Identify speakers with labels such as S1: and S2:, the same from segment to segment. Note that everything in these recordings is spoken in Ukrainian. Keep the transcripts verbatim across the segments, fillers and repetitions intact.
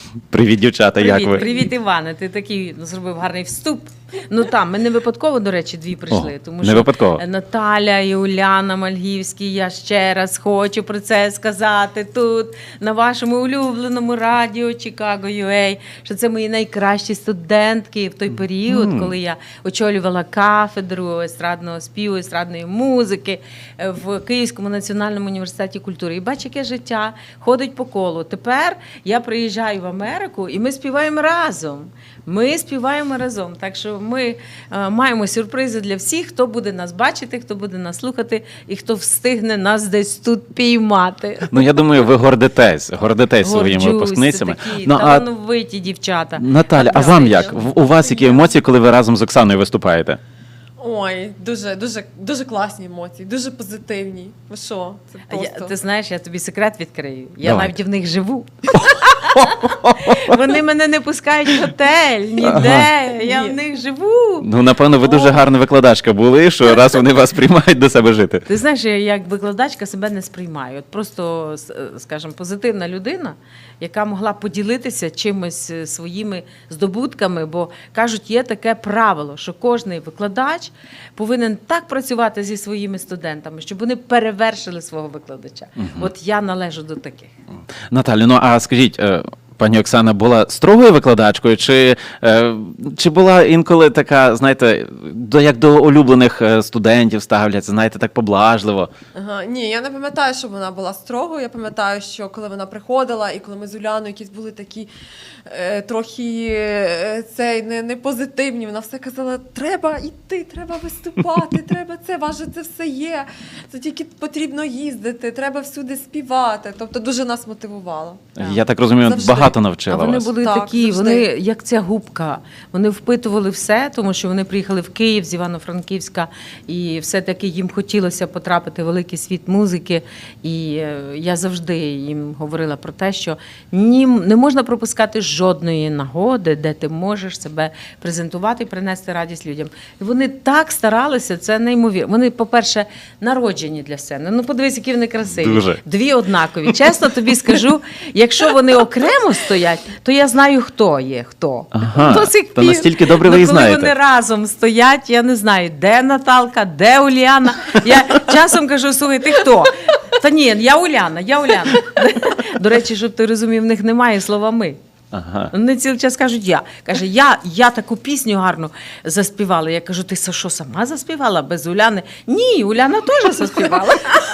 S1: Привіт, дівчата,
S2: Привіт,
S1: як ви?
S2: привіт, Іване. Ти такий зробив гарний вступ. Ну там, ми не випадково, до речі, дві прийшли.
S1: О,
S2: тому
S1: не
S2: що
S1: випадково.
S2: Наталя і Уляна Мальгівські, я ще раз хочу про це сказати тут, на вашому улюбленому радіо Чикаго ю ей, що це мої найкращі студентки в той період,
S1: Mm.
S2: коли я очолювала кафедру естрадного співу, естрадної музики в Київському національному університеті культури. І бач, яке життя ходить по колу. Тепер я приїжджаю в Америку, і ми співаємо разом. Ми співаємо разом. Так що ми е, маємо сюрпризи для всіх, хто буде нас бачити, хто буде нас слухати і хто встигне нас десь тут піймати.
S1: Ну, я думаю, ви гордитесь, гордитесь своїми
S2: Горджусь,
S1: випускницями.
S2: це такі
S1: Ну, а
S2: талановиті дівчата.
S1: Наталя, а вам як? В- У вас які емоції, коли ви разом з Оксаною виступаєте?
S3: Ой, дуже, дуже, дуже класні емоції, дуже позитивні. Ви що? Це
S2: Я,
S3: просто...
S2: ти знаєш, я тобі секрет відкрию. Я
S1: Давай.
S2: навіть в них живу. Вони мене не пускають в готель, ніде. Я в них живу.
S1: Ну, напевно, ви дуже гарна викладачка були, що раз вони вас приймають до себе жити.
S2: Ти знаєш, я як викладачка себе не сприймаю. От просто, с- скажімо, позитивна людина, яка могла поділитися чимось е, своїми здобутками, бо кажуть, є таке правило, що кожний викладач повинен так працювати зі своїми студентами, щоб вони перевершили свого викладача. От я належу до таких.
S1: Наталю, ну а скажіть, е, пані Оксана була строгою викладачкою, чи, е, чи була інколи така, знаєте, до, як до улюблених е, студентів ставляться, знаєте, так поблажливо?
S3: Ага, ні, я не пам'ятаю, що вона була строгою. Я пам'ятаю, що коли вона приходила, і коли ми з Уляною якісь були такі е, трохи е, цей, не, не позитивні, вона все казала, треба йти, треба виступати, треба це, важе, це все є. Це тільки потрібно їздити, треба всюди співати. Тобто дуже нас мотивувала.
S1: Я так розумію,
S3: Завжди.
S1: багато навчила
S2: А вони
S1: вас.
S2: були
S3: Так,
S2: такі,
S3: завжди.
S2: вони як ця губка. Вони впитували все, тому що вони приїхали в Київ з Івано-Франківська, і все-таки їм хотілося потрапити в великий світ музики. І е, я завжди їм говорила про те, що ні, не можна пропускати жодної нагоди, де ти можеш себе презентувати і принести радість людям. І вони так старалися, це неймовірно. Вони, по-перше, народжені для сцени. Ну, подивись, які вони красиві.
S1: Дуже.
S2: Дві однакові. Чесно тобі скажу, якщо вони окремо стоять, то я знаю, хто є, хто.
S1: Ага,
S2: До сих
S1: то
S2: пір.
S1: настільки добре ви
S2: Ну,
S1: їх
S2: коли
S1: знаєте.
S2: вони разом стоять, я не знаю, де Наталка, де Уляна. Я часом кажу, слухай, ти хто? Та ні, я Уляна, я Уляна. До речі, щоб ти розумів, в них немає слова «ми».
S1: Ага.
S2: Вони цілий час кажуть «я». Каже, я, я таку пісню гарну заспівала. Я кажу, ти що, сама заспівала без Уляни? Ні, Уляна теж заспівала.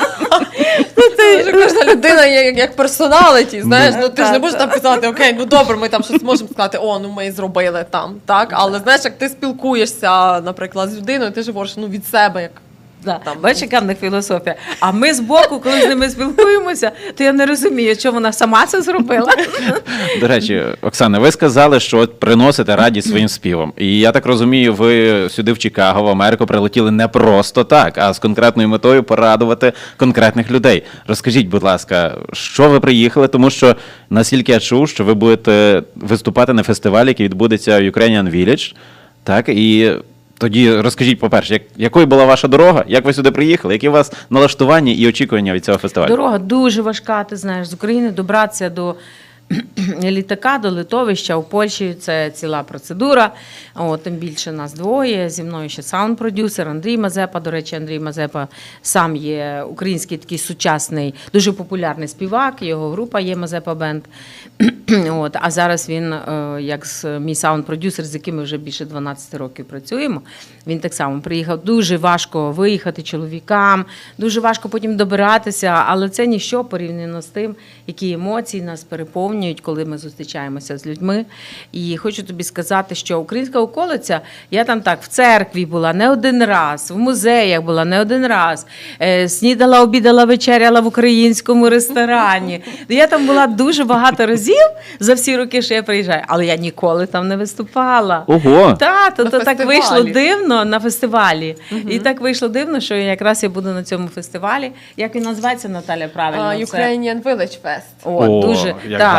S3: Це вже кожна людина є як, як персоналіті, знаєш, ну ти ж не
S2: Так,
S3: можеш там казати, окей, ну добре, ми там щось можемо сказати, о, ну ми зробили там, так, але знаєш, як ти спілкуєшся, наприклад, з людиною, ти ж говориш, ну від себе, як
S2: Да. Бачиш, яка в них філософія. А ми збоку, коли з ними спілкуємося, то я не розумію, що вона сама це зробила.
S1: До речі, Оксана, ви сказали, що от приносите радість своїм співом. І я так розумію, ви сюди в Чикаго, в Америку прилетіли не просто так, а з конкретною метою порадувати конкретних людей. Розкажіть, будь ласка, що ви приїхали, тому що, наскільки я чув, що ви будете виступати на фестивалі, який відбудеться в Ukrainian Village, так, і тоді розкажіть, по-перше, як, якою була ваша дорога, як ви сюди приїхали, які у вас налаштування і очікування від цього фестивалю?
S2: Дорога дуже важка, ти знаєш, з України добратися до літака, до литовища у Польщі – це ціла процедура. О, тим більше нас двоє. Зі мною ще саунд-продюсер Андрій Мазепа. До речі, Андрій Мазепа сам є український такий сучасний, дуже популярний співак. Його група є Мазепа Бенд. От, а зараз він, е, як з- мій саунд-продюсер, з яким ми вже більше дванадцять років працюємо, він так само приїхав. Дуже важко виїхати чоловікам, дуже важко потім добиратися, але це ніщо порівняно з тим, які емоції нас переповнюють, коли ми зустрічаємося з людьми. І хочу тобі сказати, що українська околиця, я там так в церкві була не один раз, в музеях була не один раз, е, снідала, обідала, вечеряла в українському ресторані. Я там була дуже багато разів за всі роки, що я приїжджаю, але я ніколи там не виступала.
S1: Ого!
S2: Та, то,
S3: На
S2: то так
S3: фестивалі.
S2: вийшло дивно на фестивалі. І так вийшло дивно, що якраз я буду на цьому фестивалі. Як він називається, Наталя, правильно?
S3: а,
S2: Це-
S3: Ukrainian Village Fest.
S2: О,
S1: О,
S2: дуже
S1: як
S2: так,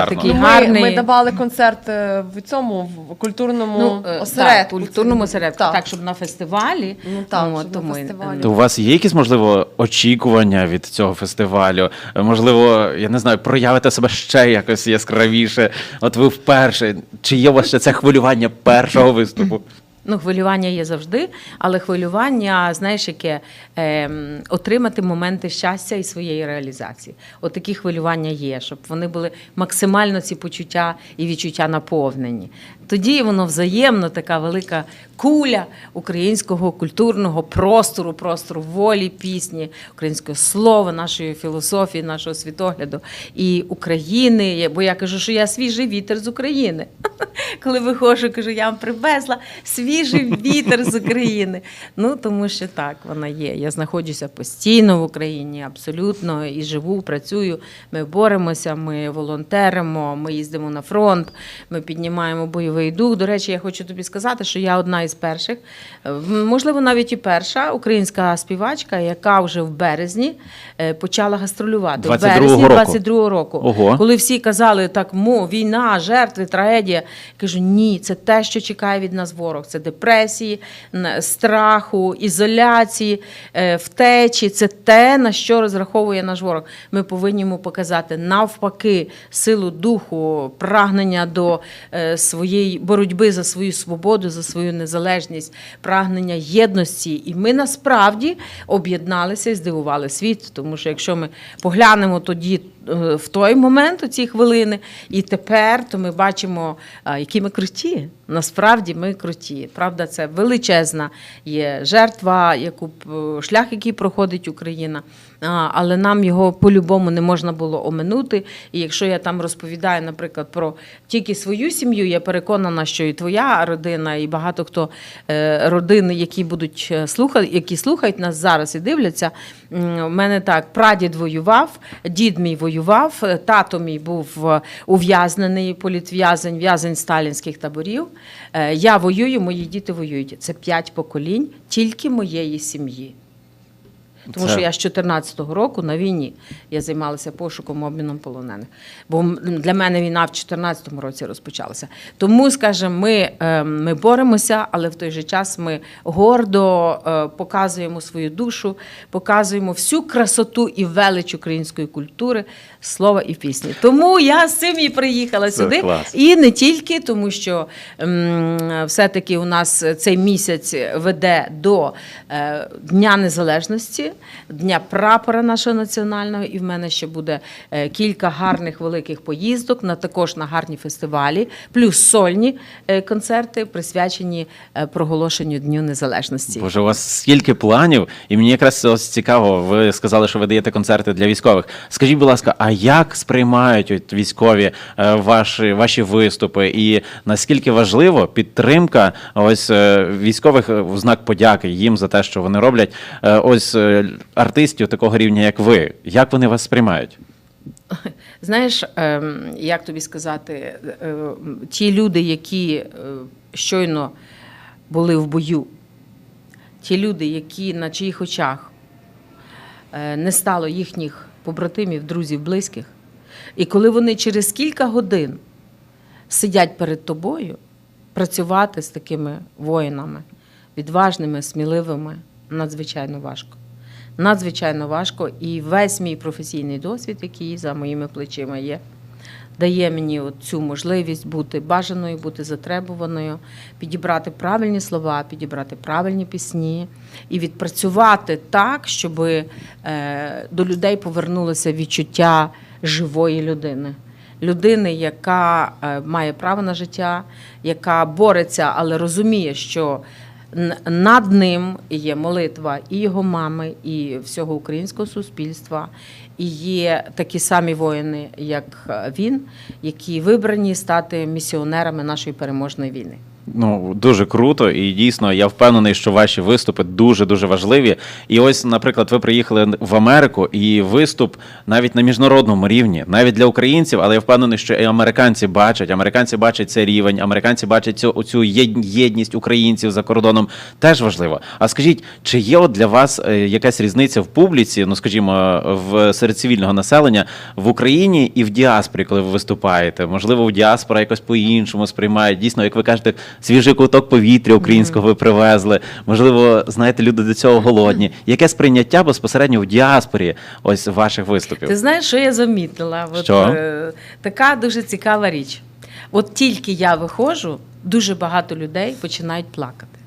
S1: гарно.
S2: такий
S3: Ну,
S2: гарний.
S3: Ми, ми давали концерт е, в цьому в культурному
S2: Ну, е,
S3: осередку.
S2: так, культурному осередку, так.
S3: Так.
S2: щоб на фестивалі.
S3: Ну, так,
S2: От,
S3: щоб на
S2: тому,
S3: фестивалі.
S1: То у вас є якісь, можливо, очікування від цього фестивалю? Можливо, я не знаю, проявите себе ще якось яскравіше? От ви вперше. Чи є у вас ще це хвилювання першого виступу?
S2: Ну, хвилювання є завжди, але хвилювання, знаєш, яке ем, отримати моменти щастя і своєї реалізації. От такі хвилювання є, щоб вони були максимально ці почуття і відчуття наповнені. Тоді воно взаємно, така велика куля українського культурного простору, простору волі, пісні, українського слова, нашої філософії, нашого світогляду і України. Бо я кажу, що я свіжий вітер з України. Коли виходжу, кажу, я вам привезла свіжий вітер з України. Ну, тому що так, вона є. Я знаходжуся постійно в Україні, абсолютно, і живу, працюю. Ми боремося, ми волонтеримо, ми їздимо на фронт, ми піднімаємо бойовий дух. До речі, я хочу тобі сказати, що я одна із перших, можливо, навіть і перша українська співачка, яка вже в березні е, почала гастролювати.
S1: двадцять
S2: в
S1: другого
S2: березні
S1: року?
S2: двадцять другого року.
S1: Ого.
S2: Коли всі казали, так, мо, війна, жертви, трагедія. Кажу, ні, це те, що чекає від нас ворог. Це депресії, н- страху, ізоляції, е, втечі. Це те, на що розраховує наш ворог. Ми повинні йому показати навпаки силу духу, прагнення до е, своєї боротьби за свою свободу, за свою незалежність, прагнення єдності. І ми насправді об'єдналися і здивували світ. Тому що якщо ми поглянемо тоді е, в той момент, у ці хвилини, і тепер, то ми бачимо, а, які ми круті. Насправді ми круті. Правда, це величезна є жертва, яку б- шлях, який проходить Україна. А, але нам його по-любому не можна було оминути. І якщо я там розповідаю, наприклад, про тільки свою сім'ю, я переконана, що і твоя родина, і багато хто е, родини, які будуть слухати, які слухають нас зараз і дивляться. М, У мене так, прадід воював, дід мій воював, тато мій був е, ув'язнений, політв'язень, в'язень сталінських таборів. Е, Я воюю, мої діти воюють. Це п'ять поколінь тільки моєї сім'ї. Тому
S1: Це-
S2: що я з чотирнадцятого року на війні я займалася пошуком, обміном полонених. Бо м- для мене війна в чотирнадцятому році розпочалася. Тому, скажімо, ми, е, ми боремося, але в той же час ми гордо е, показуємо свою душу, показуємо всю красоту і велич української культури, слова і пісні. Тому я з цим і приїхала
S1: Це
S2: сюди.
S1: клас.
S2: І не тільки, тому що ем, все-таки у нас цей місяць веде до е, Дня Незалежності, Дня прапора нашого національного, і в мене ще буде е, кілька гарних великих поїздок, на, також на гарні фестивалі, плюс сольні е, концерти, присвячені е, проголошенню Дню Незалежності.
S1: Боже, у вас стільки планів, і мені якраз ось цікаво, ви сказали, що ви даєте концерти для військових. Скажіть, будь ласка, а як сприймають от військові е, ваші, ваші виступи, і наскільки важливо підтримка ось е, військових е, в знак подяки їм за те, що вони роблять, е, ось е, артистів такого рівня, як ви? Як вони вас сприймають?
S2: Знаєш, ем, як тобі сказати, е, ті люди, які е, щойно були в бою, ті люди, які на чиїх очах е, не стало їхніх побратимів, друзів, близьких, і коли вони через кілька годин сидять перед тобою, працювати з такими воїнами, відважними, сміливими, надзвичайно важко. Надзвичайно важко, і весь мій професійний досвід, який за моїми плечима є, дає мені от цю можливість бути бажаною, бути затребуваною, підібрати правильні слова, підібрати правильні пісні і відпрацювати так, щоб е, до людей повернулося відчуття живої людини. Людини, яка е, має право на життя, яка бореться, але розуміє, що н- над ним є молитва і його мами, і всього українського суспільства. І є такі самі воїни, як він, які вибрані стати місіонерами нашої переможної війни.
S1: Ну, дуже круто, і дійсно я впевнений, що ваші виступи дуже-дуже важливі. І ось, наприклад, ви приїхали в Америку, і виступ навіть на міжнародному рівні, навіть для українців, але я впевнений, що і американці бачать, американці бачать цей рівень, американці бачать цю оцю єд- єдність українців за кордоном, теж важливо. А скажіть, чи є от для вас е, якась різниця в публіці, ну, скажімо, в серед цивільного населення в Україні і в діаспорі, коли ви виступаєте? Можливо, в діаспора якось по-іншому сприймає. Дійсно, як ви кажете, свіжий ковток повітря українського ви привезли. Можливо, знаєте, люди до цього голодні. Яке сприйняття безпосередньо в діаспорі ось ваших виступів?
S2: Ти знаєш, що я замітила? От,
S1: Що?
S2: е, така дуже цікава річ. От тільки я виходжу, дуже багато людей починають плакати.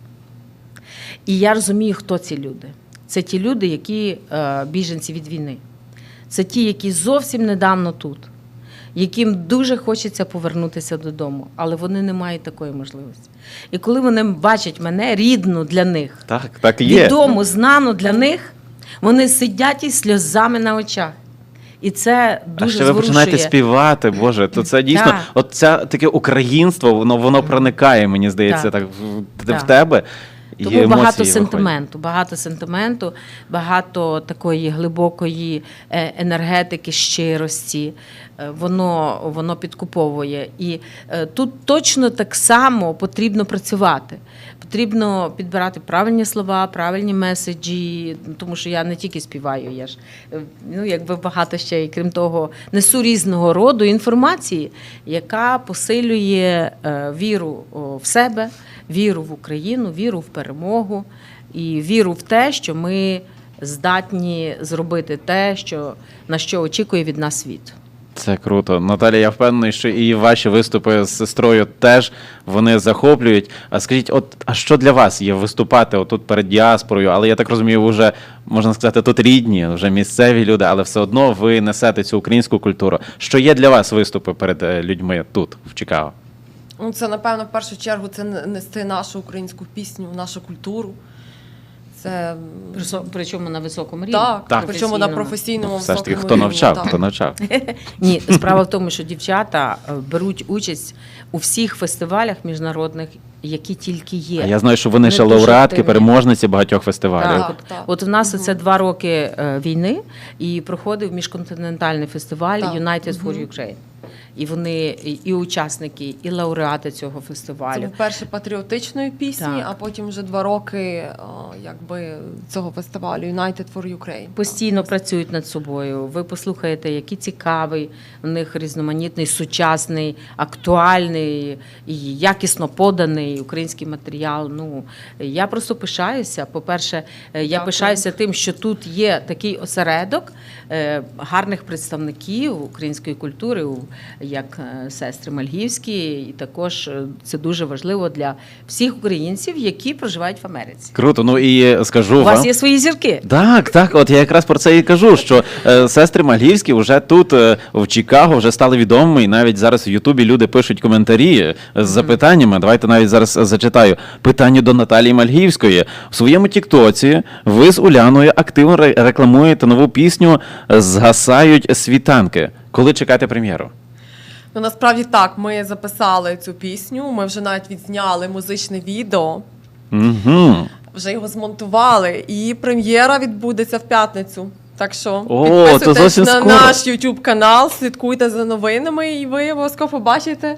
S2: І я розумію, хто ці люди. Це ті люди, які е, біженці від війни. Це ті, які зовсім недавно тут, яким дуже хочеться повернутися додому, але вони не мають такої можливості. І коли вони бачать мене, рідну для них,
S1: Так, так і є.
S2: відому, знану для них, вони сидять із сльозами на очах. І це
S1: А
S2: дуже
S1: ще ви починаєте
S2: зворушує.
S1: співати, Боже, то це дійсно,
S2: Так.
S1: от це таке українство, воно, воно проникає, мені здається, так,
S2: Так.
S1: в, в
S2: Так.
S1: тебе. І
S2: Тому
S1: емоції
S2: багато
S1: виходять.
S2: сентименту, багато сентименту, багато такої глибокої е, енергетики, щирості. Е, Воно, воно підкуповує. І е, тут точно так само потрібно працювати. Потрібно підбирати правильні слова, правильні меседжі, тому що я не тільки співаю, я ж е, ну, якби багато ще, і крім того, несу різного роду інформації, яка посилює е, віру о, в себе, віру в Україну, віру в перемогу і віру в те, що ми здатні зробити те, що, на що очікує від нас світ.
S1: Це круто. Наталія, я впевнений, що і ваші виступи з сестрою теж вони захоплюють. А скажіть, от а що для вас є виступати отут перед діаспорою? Але я так розумію, ви вже, можна сказати, тут рідні, вже місцеві люди, але все одно ви несете цю українську культуру. Що є для вас виступи перед е, людьми тут, в Чикаго?
S3: Ну, це, напевно, в першу чергу це нести нашу українську пісню, нашу культуру. Це
S2: Присо- Причому на високому рівні.
S3: так,
S1: Так.
S3: причому на
S2: професійному.
S3: професійному
S1: Все ж таки,
S3: високому
S1: хто
S3: рівні,
S1: навчав,
S3: так.
S1: хто навчав.
S2: Ні, справа в тому, що дівчата е, беруть участь у всіх фестивалях міжнародних, які тільки є.
S1: А я знаю, що вони
S2: Вони
S1: ще
S2: дуже
S1: лауреатки,
S2: активні.
S1: переможниці багатьох фестивалів.
S2: Так,
S3: Так,
S2: от,
S3: так.
S2: от у нас
S3: Мгм.
S2: це два роки е, війни, і проходив міжконтинентальний фестиваль
S3: Так.
S2: United for
S3: Мгм.
S2: Ukraine. І вони і, і учасники, і лауреати цього
S3: Це
S2: фестивалю.
S3: був перший патріотичної пісні,
S2: Так.
S3: а потім вже два роки о, якби, цього фестивалю United for Ukraine.
S2: Постійно працюють над собою. Ви послухаєте, який цікавий у них різноманітний, сучасний, актуальний і якісно поданий український матеріал. Ну я просто пишаюся. По-перше, е, я
S3: Дякую.
S2: пишаюся тим, що тут є такий осередок е, гарних представників української культури, у- як е, сестри Мальгівські, і також е, це дуже важливо для всіх українців, які проживають в Америці.
S1: Круто. Ну і скажу
S2: У
S1: вам.
S2: вас є свої зірки.
S1: Так, так, от я якраз про це і кажу, що е, сестри Мальгівські вже тут, е, в Чикаго, вже стали відомими, і навіть зараз в Ютубі люди пишуть коментарі е, з запитаннями. Давайте навіть зараз е, зачитаю. Питання до Наталії Мальгівської. В своєму тіктоці ви з Уляною активно ре- рекламуєте нову пісню «Згасають світанки». Коли чекаєте прем'єру?
S3: Ну, насправді так, ми записали цю пісню, ми вже навіть відзняли музичне відео,
S1: Угу.
S3: вже його змонтували, і прем'єра відбудеться в п'ятницю. Так що
S1: О,
S3: підписуйтесь
S1: то зовсім
S3: на
S1: скоро.
S3: наш YouTube канал, слідкуйте за новинами, і ви обов'язково побачите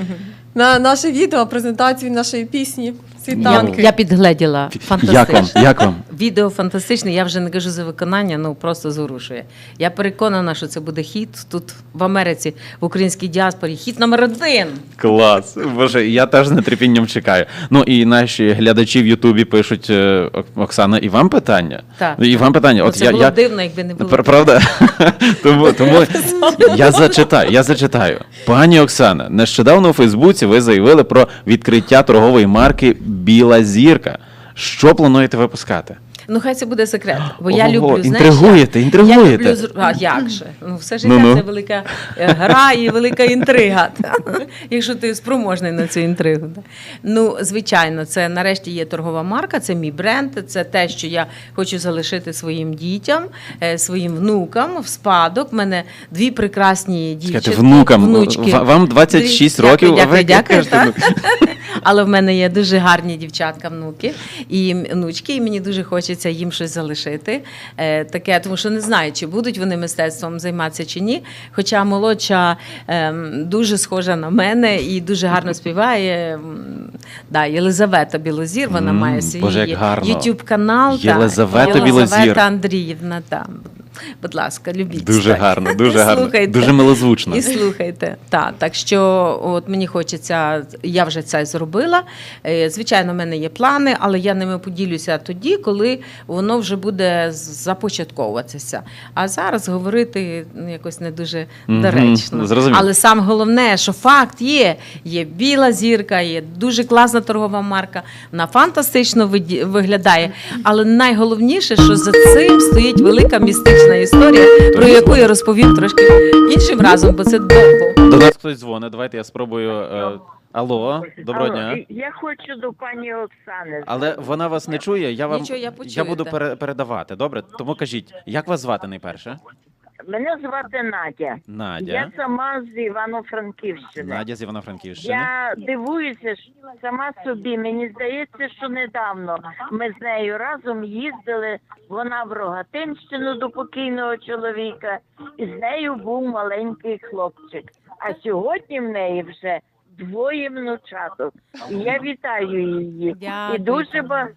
S3: на наше відео презентацію нашої пісні
S2: Я,
S3: «Світанки».
S2: я підгледіла.
S1: Як
S2: Фантастично.
S1: вам? Як вам?
S2: Відео фантастичне, я вже не кажу за виконання, ну просто зворушує. Я переконана, що це буде хіт тут в Америці, в українській діаспорі. Хіт номер один.
S1: Клас. Боже, я теж з нетерпінням чекаю. Ну і наші глядачі в Ютубі пишуть, е, Ок- Оксана, і вам питання?
S2: Так.
S1: І вам питання.
S2: Ну,
S1: От
S2: це
S1: я,
S2: було
S1: я...
S2: б дивно, якби не було.
S1: Пр- Правда? тому, тому я зачитаю, я зачитаю. Пані Оксана, нещодавно у Фейсбуці ви заявили про відкриття торгової марки «Біла зірка». Що плануєте випускати?
S2: Ну, хай це буде секрет. Бо я
S1: Ого,
S2: люблю, знаєш,
S1: інтригуєте,
S2: я-
S1: інтригуєте.
S2: Я люблю, зр- а як же? Ну, все життя
S1: Ну-ну.
S2: це велика е, гра і велика інтрига. та. Якщо ти спроможний на цю інтригу. та. Ну, звичайно, це нарешті є торгова марка, це мій бренд, це те, що я хочу залишити своїм дітям, е, своїм внукам в спадок. У мене дві прекрасні дівчатки,
S1: Скажете, внукам,
S2: внучки.
S1: ва- вам двадцять шість
S2: Дві-
S1: років,
S2: Дякую,
S1: а ви
S2: дякую,
S1: кажете,
S2: дякую,
S1: ну.
S2: так. Але в мене є дуже гарні дівчатка, внуки і внучки, і мені дуже хочеться їм щось залишити. Е, таке, тому що не знаю, чи будуть вони мистецтвом займатися чи ні. Хоча молодша е, дуже схожа на мене і дуже гарно співає. М, Да, Єлизавета Білозір, вона
S1: М,
S2: має свій
S1: Боже, як гарно.
S2: YouTube канал.
S1: Єлизавета Білозір.
S2: Єлизавета Андріївна, там. Будь ласка, любіть.
S1: Дуже
S2: так.
S1: гарно, дуже гарно,
S2: Слухайте.
S1: дуже милозвучно.
S2: І слухайте. Так, так що от мені хочеться, я вже це зробила. Е, Звичайно, в мене є плани, але я ними поділюся тоді, коли воно вже буде започатковуватися. А зараз говорити ну, якось не дуже
S1: Мгм,
S2: доречно.
S1: зрозумів.
S2: Але саме головне, що факт є. Є біла зірка, є дуже класна торгова марка, вона фантастично виді- виглядає. Але найголовніше, що за цим стоїть велика містична історія, про яку я розповім трошки іншим разом, бо це довго.
S1: До нас хтось дзвонить, давайте я спробую. е, Алло, доброго
S4: Алло,
S1: дня.
S4: Я хочу до пані Оксани.
S1: Але вона вас не чує, я вам
S2: Нічого, я
S1: я
S2: почуєте.
S1: буду пере- передавати, добре? Тому кажіть, як вас звати найперше?
S4: Мене звати Надя.
S1: Надя.
S4: Я сама з Івано-Франківщини.
S1: Надя з Івано-Франківщини.
S4: Я дивуюся що сама собі. Мені здається, що недавно ми з нею разом їздили. Вона в Рогатинщину до покійного чоловіка, і з нею був маленький хлопчик. А сьогодні в неї вже двоє внучаток. І я вітаю її.
S2: Дякую.
S4: І дуже багато.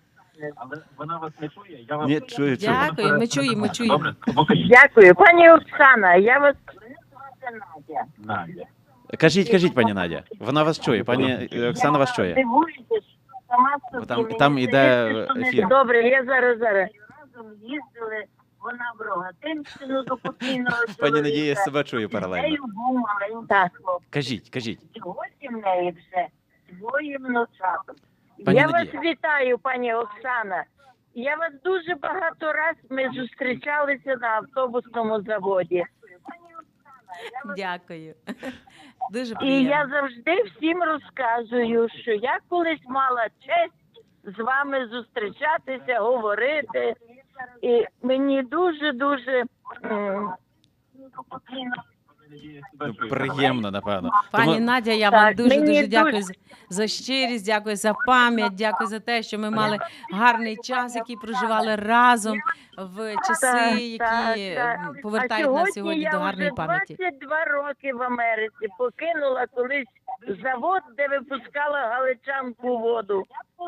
S5: Вона вас не чує, я вам
S1: Ні, чую, чую.
S2: Дякую, ми чуємо, ми чуємо.
S5: добре, покажіть.
S4: Дякую, пані Оксана. Я вас мене звати Надя.
S5: Надя.
S1: Кажіть, кажіть, пані Надя. Вона вас чує, пані е, Оксана вас чує.
S4: Дивуюся, що сама собі.
S1: Там-
S4: Мені
S1: там іде
S4: здається, що не-
S1: ефір.
S4: Добре, я зараз зараз. Разом їздили. Вона в Рогатинщину до покійного чоловіка.
S1: Пані Надія себе чує
S4: З
S1: паралельно.
S4: нею був маленький хлопець.
S1: Кажіть, кажіть.
S4: Сьогодні в неї вже двоє внучаток.
S1: Пані
S4: Я
S1: Надія.
S4: вас вітаю, пані Оксана. Я вас дуже багато раз ми зустрічалися на автобусному заводі.
S2: Дякую. Дуже
S4: І
S2: приємно.
S4: я завжди всім розказую, що я колись мала честь з вами зустрічатися, говорити. І мені дуже-дуже м,
S1: Ну, приємно, напевно.
S2: Пані
S1: Тому-
S2: Надя, я
S4: Так,
S2: вам дуже
S4: мені
S2: дуже
S4: дуже-
S2: дякую за- за щирість, дякую за пам'ять, дякую за те, що ми мали гарний час, який проживали разом в часи,
S4: Так,
S2: які
S4: так,
S2: м,
S4: так.
S2: повертають
S4: а
S2: нас сьогодні
S4: я
S2: до гарної
S4: вже
S2: пам'яті.
S4: двадцять два роки в Америці покинула колись завод, де випускала галичанку воду.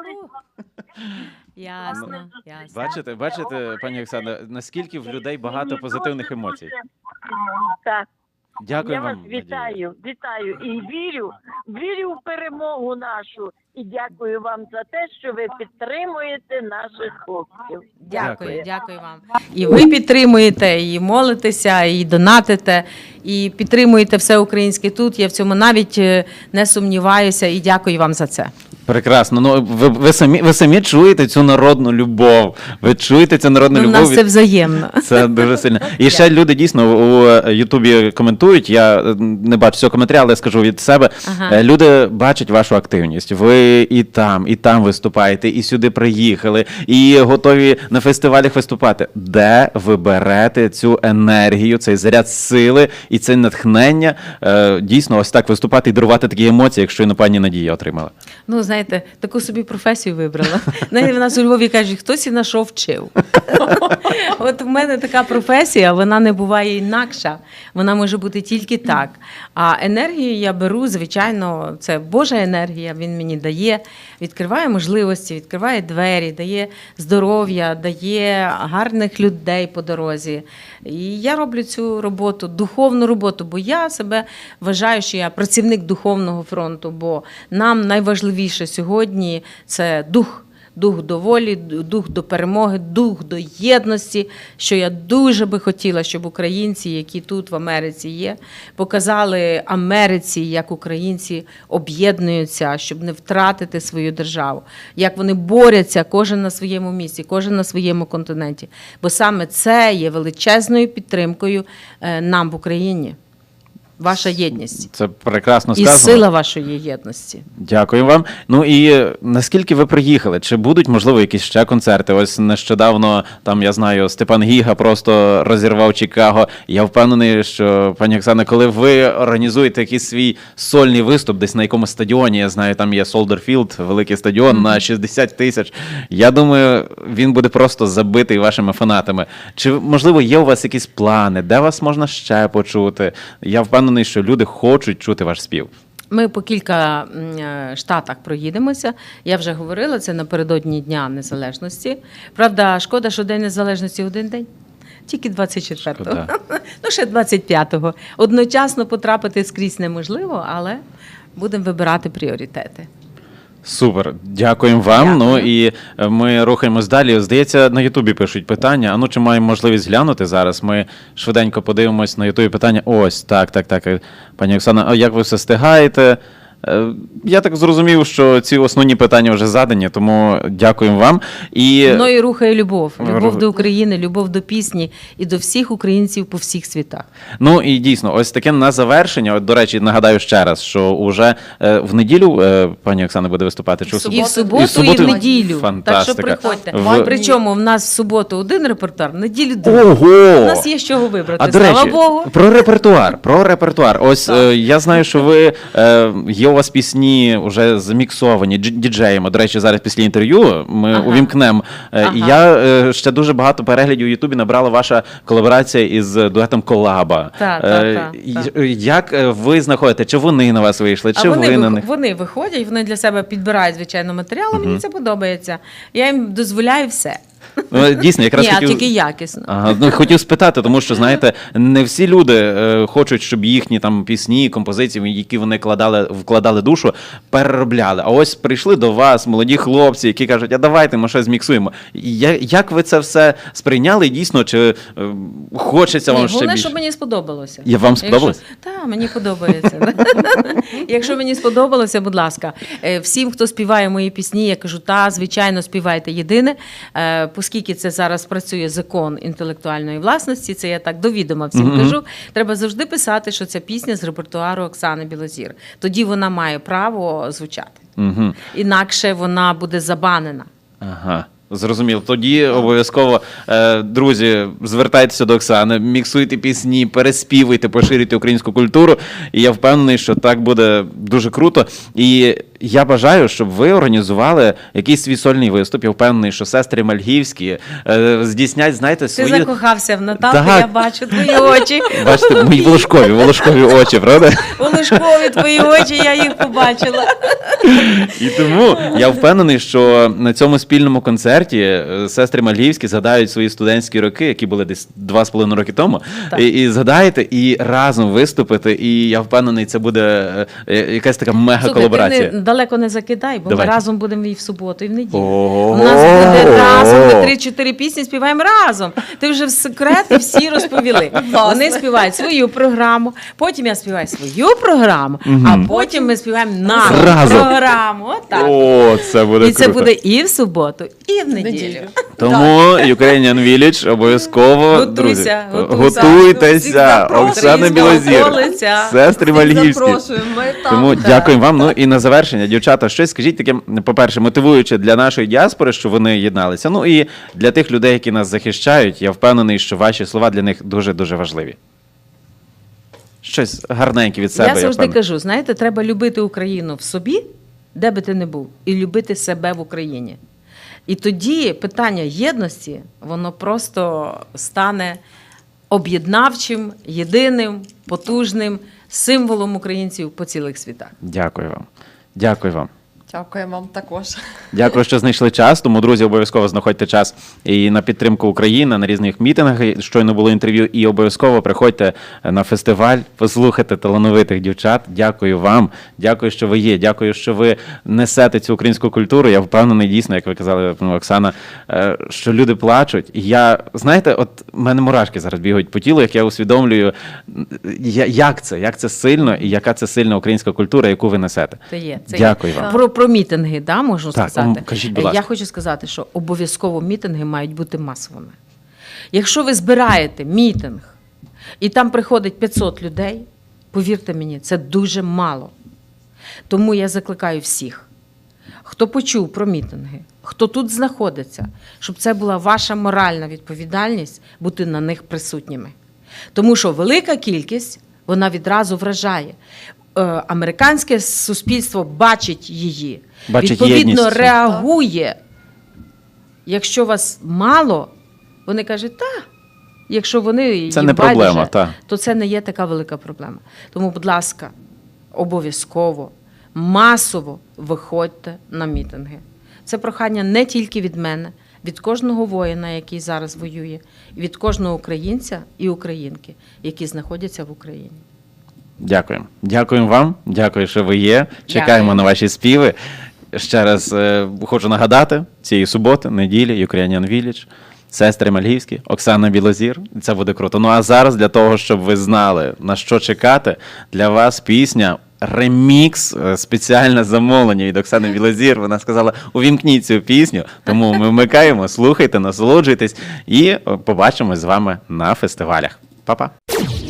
S2: Ясно, ясно.
S1: Бачите, бачите, пані Оксана, наскільки в людей багато
S4: Мені
S1: позитивних
S4: дуже,
S1: емоцій.
S4: дуже, Так.
S1: Дякую
S4: Я
S1: вам.
S4: вас
S1: Надія.
S4: вітаю, вітаю і вірю, вірю в перемогу нашу. І дякую вам за те, що ви підтримуєте наших хлопців.
S2: Дякую, дякую вам. І ви підтримуєте, і молитеся, і донатите, і підтримуєте все українське тут. Я в цьому навіть е, не сумніваюся, і дякую вам за це.
S1: Прекрасно. Ну ви, ви самі ви самі чуєте цю народну любов. Ви чуєте цю народну
S2: Ну, в
S1: любов.
S2: нас
S1: від-
S2: це взаємно.
S1: Це дуже сильно. І ще люди дійсно у Ютубі коментують. Я е, не бачу цього коментаря, але скажу від себе.
S2: Ага.
S1: Е, Люди бачать вашу активність. Ви і там, і там виступаєте, і сюди приїхали, і готові на фестивалях виступати. Де ви берете цю енергію, цей заряд сили і це натхнення е, дійсно ось так виступати і дарувати такі емоції, якщо і на пані Надія отримала?
S2: Ну, знаєте, таку собі професію вибрала. Навіть в нас у Львові кажуть, хтось і на що вчив. От в мене така професія, вона не буває інакша. Вона може бути тільки так. А енергію я беру, звичайно, це Божа енергія, він мені дає, відкриває можливості, відкриває двері, дає здоров'я, дає гарних людей по дорозі. І я роблю цю роботу, духовну роботу, бо я себе вважаю, що я працівник духовного фронту, бо нам найважливіше сьогодні це дух. Дух до волі, дух до перемоги, дух до єдності, що я дуже би хотіла, щоб українці, які тут в Америці є, показали Америці, як українці об'єднуються, щоб не втратити свою державу, як вони борються кожен на своєму місці, кожен на своєму континенті. Бо саме це є величезною підтримкою е, нам в Україні. ваша єдність.
S1: Це прекрасно
S2: І
S1: сказано.
S2: сила вашої єдності.
S1: Дякую вам. Ну і е, наскільки ви приїхали? Чи будуть, можливо, якісь ще концерти? Ось нещодавно, там, я знаю, Степан Гіга просто розірвав Чикаго. Я впевнений, що, пані Оксана, коли ви організуєте якийсь свій сольний виступ десь на якомусь стадіоні, я знаю, там є Солдерфілд, великий стадіон mm-hmm. на шістдесят тисяч, я думаю, він буде просто забитий вашими фанатами. Чи, можливо, є у вас якісь плани? Де вас можна ще почути? Я впевнений, що люди хочуть чути ваш спів.
S2: Ми по кілька м, е, штатах проїдемося. Я вже говорила, це напередодні Дня Незалежності. Правда, шкода, що День Незалежності один день. Тільки двадцять четвертого.
S1: Шкода.
S2: Ну, ще двадцять п'ятого. Одночасно потрапити скрізь неможливо, але будемо вибирати пріоритети.
S1: Супер, дякуємо вам.
S2: Дякую.
S1: Ну і е, ми рухаємось далі. Здається, на Ютубі пишуть питання. А ну чи маємо можливість глянути зараз? Ми швиденько подивимось на Ютубі питання. Ось, так, так, так. Пані Оксана, а як ви все встигаєте? Е, Я так зрозумів, що ці основні питання вже задані, тому дякуємо вам. І
S2: Мною рухає любов. Любов
S1: Рух-
S2: до України, любов до пісні і до всіх українців по всіх світах.
S1: Ну і дійсно, ось таке на завершення. От, до речі, нагадаю ще раз, що уже е, в неділю е, пані Оксана буде виступати. Чи в
S2: І в суботу,
S1: І в суботу?
S2: і в неділю.
S1: Фантастика.
S2: Так що приходьте.
S1: В-
S2: Причому в нас в суботу один репертуар, в неділю другий.
S1: Ого!
S2: У нас є з чого вибрати,
S1: А до
S2: слава
S1: речі,
S2: Богу.
S1: про репертуар, про репертуар. Ось е, я знаю, що ви е, є у вас пісні вже заміксовані дж- діджеями. До речі, зараз після інтерв'ю ми
S2: Ага.
S1: увімкнемо. Е,
S2: Ага.
S1: І я е, ще дуже багато переглядів у Ютубі набрала ваша колаборація із дуетом Колаба.
S2: Та,
S1: Е,
S2: та, та,
S1: й-
S2: та.
S1: Як е, ви знаходите? Чи вони на вас вийшли?
S2: А
S1: Чи
S2: вони,
S1: ви на
S2: вих-
S1: них?
S2: вони виходять, вони для себе підбирають, звичайно, матеріал, а мені це подобається. Я їм дозволяю все.
S1: Ну, дійсно, якраз
S2: Ні, а
S1: хотів...
S2: тільки якісно.
S1: Ага, ну, хотів спитати, тому що, знаєте, не всі люди е, хочуть, щоб їхні там пісні, композиції, в які вони кладали, вкладали душу, переробляли. А ось прийшли до вас молоді хлопці, які кажуть, а давайте ми щось зміксуємо. Я, як ви це все сприйняли? Дійсно, чи е, хочеться вам
S2: Ні,
S1: ще
S2: головне,
S1: більше?
S2: щоб мені сподобалося.
S1: Я вам сподобалось?
S2: Так, мені подобається. Якщо мені сподобалося, будь ласка, Е, всім, хто співає мої пісні, я кажу, та, звичайно, співайте єдине, Е, оскільки це зараз працює закон інтелектуальної власності, це я так до відома всім
S1: Мгм.
S2: кажу, треба завжди писати, що ця пісня з репертуару Оксани Білозір. Тоді вона має право звучати.
S1: Угу.
S2: Інакше вона буде забанена.
S1: Ага. Зрозуміло. Тоді обов'язково, е, друзі, звертайтеся до Оксани, міксуйте пісні, переспівуйте, поширюйте українську культуру. І я впевнений, що так буде дуже круто. І я бажаю, щоб ви організували якийсь свій сольний виступ. Я впевнений, що сестри Мальгівські е, здійснять, знаєте,
S2: Ти
S1: свої...
S2: закохався в Наталку,
S1: Так.
S2: я бачу твої очі.
S1: Бачите, мої волошкові, волошкові очі, правда?
S2: Волошкові твої очі, я їх побачила.
S1: І тому я впевнений, що на цьому спільному концерті е, сестри Мальгівські згадають свої студентські роки, які були десь два з половиною роки тому,
S2: Так.
S1: і, і згадаєте, і разом виступити. І я впевнений, це буде е, е, якась така мега-колаборація.
S2: Слухай, ти не, далеко не закидай, бо
S1: Давайте.
S2: ми разом будемо і в суботу, і в неділю.
S1: Ого!
S2: У нас буде разом, ми три-чотири пісні співаємо разом. Ти вже в секрети всі розповіли. Вони співають свою програму, потім я співаю свою програму, а потім ми співаємо нашу
S1: Разом.
S2: програму. Отак.
S1: О, це буде
S2: І це
S1: круто.
S2: буде і в суботу, і в неділю.
S3: Неділю.
S1: Тому Ukrainian Village обов'язково, друзі,
S2: Готуйся, готуйся.
S3: Всіх
S1: готуйтеся.
S3: запрошуємо.
S1: Оксана
S2: Українського
S1: Білозір,
S2: столиця.
S1: сестри Мальгівські.
S3: Запрошуємо, ми там.
S1: Тому
S3: Так.
S1: дякуємо вам. Ну і на завершення, дівчата, щось скажіть таке, по-перше, мотивуюче для нашої діаспори, що вони єдналися. Ну і для тих людей, які нас захищають, я впевнений, що ваші слова для них дуже-дуже важливі. Щось гарненьке від себе,
S2: Я
S1: я
S2: завжди
S1: впевнений.
S2: кажу, знаєте, треба любити Україну в собі, де би ти не був, і любити себе в Україні. І тоді питання єдності, воно просто стане об'єднавчим, єдиним, потужним символом українців по цілих світах.
S1: Дякую вам. Дякую вам.
S3: Дякуємо вам також.
S1: Дякую, що знайшли час. Тому, друзі, обов'язково знаходьте час і на підтримку України, на різних мітингах. Щойно було інтерв'ю. І обов'язково приходьте на фестиваль, послухайте талановитих дівчат. Дякую вам. Дякую, що ви є. Дякую, що ви несете цю українську культуру. Я впевнений, дійсно, як ви казали, ну, Оксана, е, що люди плачуть. І я, знаєте, от в мене мурашки зараз бігають по тілу, як я усвідомлюю, я- як це, як це сильно і яка це сильна українська культура, яку ви несете.
S2: Це є. Це
S1: Дякую
S2: є.
S1: вам.
S2: Про, про мітинги, да, можу
S1: Так,
S2: сказати.
S1: м, кажіть, будь
S2: Е,
S1: ласка.
S2: Я хочу сказати, що обов'язково мітинги мають бути масовими. Якщо ви збираєте мітинг, і там приходить п'ятсот людей, Повірте мені, це дуже мало. Тому я закликаю всіх, хто почув про мітинги, хто тут знаходиться, щоб це була ваша моральна відповідальність бути на них присутніми. Тому що велика кількість, вона відразу вражає. Е, Американське суспільство бачить її,
S1: Бачить
S2: відповідно
S1: єдність.
S2: реагує. Якщо вас мало, вони кажуть, та, якщо вони
S1: Це
S2: їм
S1: не проблема,
S2: байдуже,
S1: та.
S2: то це не є така велика проблема. Тому, будь ласка, обов'язково, масово виходьте на мітинги. Це прохання не тільки від мене, від кожного воїна, який зараз воює, і від кожного українця і українки, які знаходяться в Україні.
S1: Дякуємо. Дякуємо вам. Дякую, що ви є. Чекаємо
S2: Дякую.
S1: на ваші співи. Ще раз е, хочу нагадати, цієї суботи, неділі, Ukrainian Village, сестри Мальгівські, Оксана Білозір. Це буде круто. Ну а зараз, для того, щоб ви знали, на що чекати, для вас пісня ремікс, е, спеціальне замовлення від Оксани Білозір. Вона сказала, увімкніть цю пісню, тому ми вмикаємо, слухайте, насолоджуйтесь і е, побачимось з вами на фестивалях. Па-па!